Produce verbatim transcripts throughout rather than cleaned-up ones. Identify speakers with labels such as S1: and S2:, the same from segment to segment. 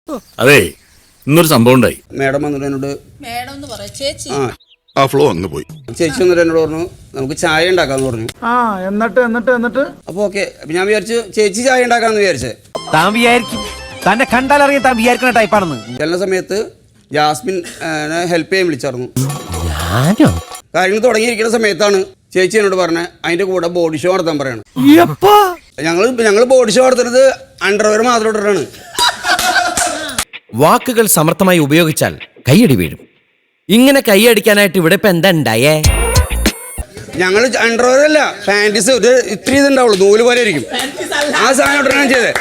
S1: അതെ ഇന്നൊരു സംഭവം ഉണ്ടായി.
S2: മേഡം വന്നിട്ട് എന്നോട്
S3: മേഡം എന്ന് പറ ചേച്ചി.
S2: ആ
S1: ആ ഫ്ലോ അങ്ങ് പോയി.
S2: ചേച്ചി വന്നിട്ട് എന്നോട് പറഞ്ഞു നമുക്ക് ചായ ഉണ്ടാക്കാന്ന് പറഞ്ഞു.
S4: ആ എന്നിട്ട് എന്നിട്ട് എന്നിട്ട്
S2: അപ്പൊ ഓക്കെ ഞാൻ വിചാരിച്ചു ചേച്ചി ചായ ഉണ്ടാക്കാന്ന് വിചാരിച്ചേ.
S5: താൻ വിചാരിക്കും തന്നെ കണ്ടാലറിയാൻ താൻ വിചാരിക്കുന്ന ടൈപ്പാണെന്ന്.
S2: ചെല്ലുന്ന സമയത്ത് ജാസ്മിൻ ഹെൽപ്പ് ചെയ്യാൻ വിളിച്ചായിരുന്നു.
S5: ഞാനോ?
S2: കാര്യങ്ങൾ തുടങ്ങിയിരിക്കുന്ന സമയത്താണ് ചേച്ചി എന്നോട് പറഞ്ഞത് അതിന്റെ കൂടെ ബോഡി ഷോ നടത്താൻ പറയണം. ഞങ്ങൾ ഞങ്ങൾ ബോഡി ഷോ നടത്തുന്നത് അണ്ടർവെയർ മാത്രം ഇട്ടിട്ടാണ്.
S6: വാക്കുകൾ സമർത്ഥമായി ഉപയോഗിച്ചാൽ കൈയടി വീഴും. ഇങ്ങനെ കൈയടിക്കാനായിട്ട് ഇവിടെ ഇപ്പൊ എന്താ ഉണ്ടായേ?
S2: ഞങ്ങൾ അണ്ടർവെയർ അല്ല പാൻറ്റീസ് ഒരു ഇത്ര ഇതുണ്ടാവുള്ളൂ, നൂല് പോലെ ഇരിക്കും. ആ സാധനം ഇട്ടിട്ടാണ് ചെയ്തത്.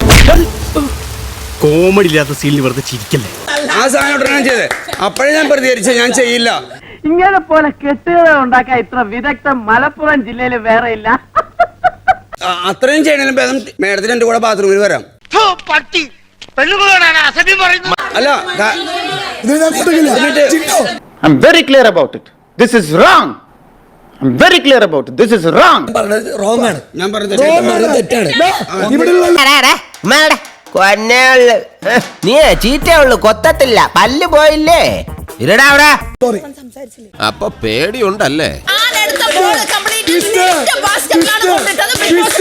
S5: കോമഡി ഇല്ലാത്ത സീനിൽ വെറുതെ ചിരിക്കല്ലേ.
S2: ആ സാധനം ഇട്ടിട്ടാണ് ചെയ്തത്. അപ്പോഴേ ഞാൻ പ്രതികരിച്ചു ഞാൻ ചെയ്യില്ല.
S4: ഇങ്ങനെ പോലെ കെട്ടുകഥ ഉണ്ടാക്കാൻ ഇത്ര വിദഗ്ധം മലപ്പുറം ജില്ലയിൽ വേറെ ഇല്ല.
S2: ആ, അത്രയും ചെയ്യണേലും ഭേദം മേഡത്തിന് എന്റെ കൂടെ ബാത്റൂമിൽ വരാം. അല്ല ക- എന്നിട്ട്
S7: I'm very clear about it. This is wrong. I'm very clear about it. This is wrong.
S2: ഞാൻ പറഞ്ഞത്
S6: നീ ചീറ്റേ ഉള്ളു, കൊത്തത്തില്ല, പല്ല് പോയില്ലേ? ഇരടാ അവിടെ.
S8: അപ്പൊ പേടിയുണ്ടല്ലേ?
S3: ആരെടുത്ത ബോൾ കംപ്ലീറ്റ് നിന്റെ ബാസ്കറ്റിലാണ് കൊണ്ടിട്ടത്.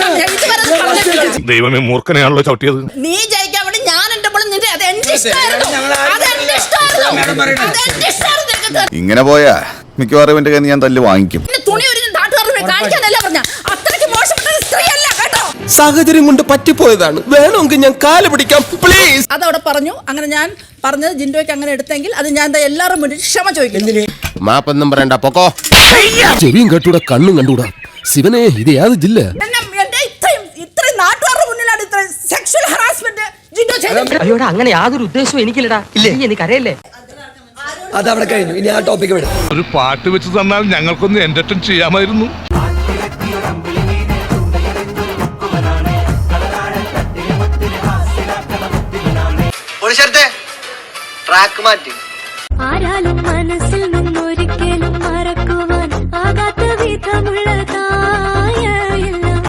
S1: ദൈവമേ മൂർഖനെയാണല്ലോ ചവിട്ടിയത്.
S3: നീ ജയിക്കാൻ വേണ്ടി ഞാൻ എന്റെ ബോൾ നിന്റെ അത് എന്റെ ഇഷ്ടമായിരുന്നു. അത് എന്റെ ഇഷ്ടമായിരുന്നു. അത് എന്റെ ഇഷ്ടമായിരുന്നു. നിനക്ക്
S8: ഇങ്ങനെ പോയാ മിക്കവാറും എന്റെ കയ്യിൽ നിന്ന് ഞാൻ തല്ല് വാങ്ങിക്കും.
S3: പിന്നെ തുണി ഒരു നാട്ടുകാരുടെ കാണിക്കാനല്ല പറഞ്ഞ. അത്രയ്ക്ക് മോശപ്പെട്ട സ്ത്രീയല്ല കേട്ടോ.
S8: സാഹചര്യം കൊണ്ട് പറ്റിപ്പോയതാണ്. വേണമെങ്കിൽ ഞാൻ കാല് പിടിക്കാം പ്ലീസ്.
S3: അതവിടെ പറഞ്ഞു. അങ്ങനെ ഞാൻ പറഞ്ഞത് ജിൻഡോയ്ക്ക് അങ്ങനെ എടുത്തെങ്കിൽ അത് ഞാൻ ദാ എല്ലാവരും മുന്നിൽ ക്ഷമ ചോദിക്കുന്നു.
S8: മാപ്പൊന്നും പറയണ്ട, പൊക്കോ.
S9: ചെവിയും കണ്ടൂടാ, കണ്ണും കണ്ടൂടാ. ശിവനെ, ഇത് യാത് ജില്ല.
S3: എന്നെ എന്റെ ഇത്രയും ഇത്രയും നാട്ടുകാരുടെ മുന്നിലാണ് ഇത്ര സെക്ഷൽ ഹറാസ്മെന്റ് ജിൻഡോ ചെയ്തത്.
S10: അയ്യോടാ, അങ്ങനെ യാതൊരു ഉദ്ദേശവും എനിക്കില്ലടാ. ഇല്ലേ, എനിക്കറിയല്ലേ.
S4: അതവിടെ കഴിഞ്ഞു. ഇനി ആ ടോപ്പിക്ക് വിടാം.
S1: ഒരു പാട്ട് വെച്ച് തന്നാൽ ഞങ്ങൾക്കൊന്ന് എന്റർടൈൻ ചെയ്യാമായിരുന്നു.
S5: ട്രാക്ക് മാറ്റി.
S11: ആരാലും മനസ്സിൽ നിന്നൊരിക്കലും മറക്കുവാൻ ആകാത്ത വിധമുള്ള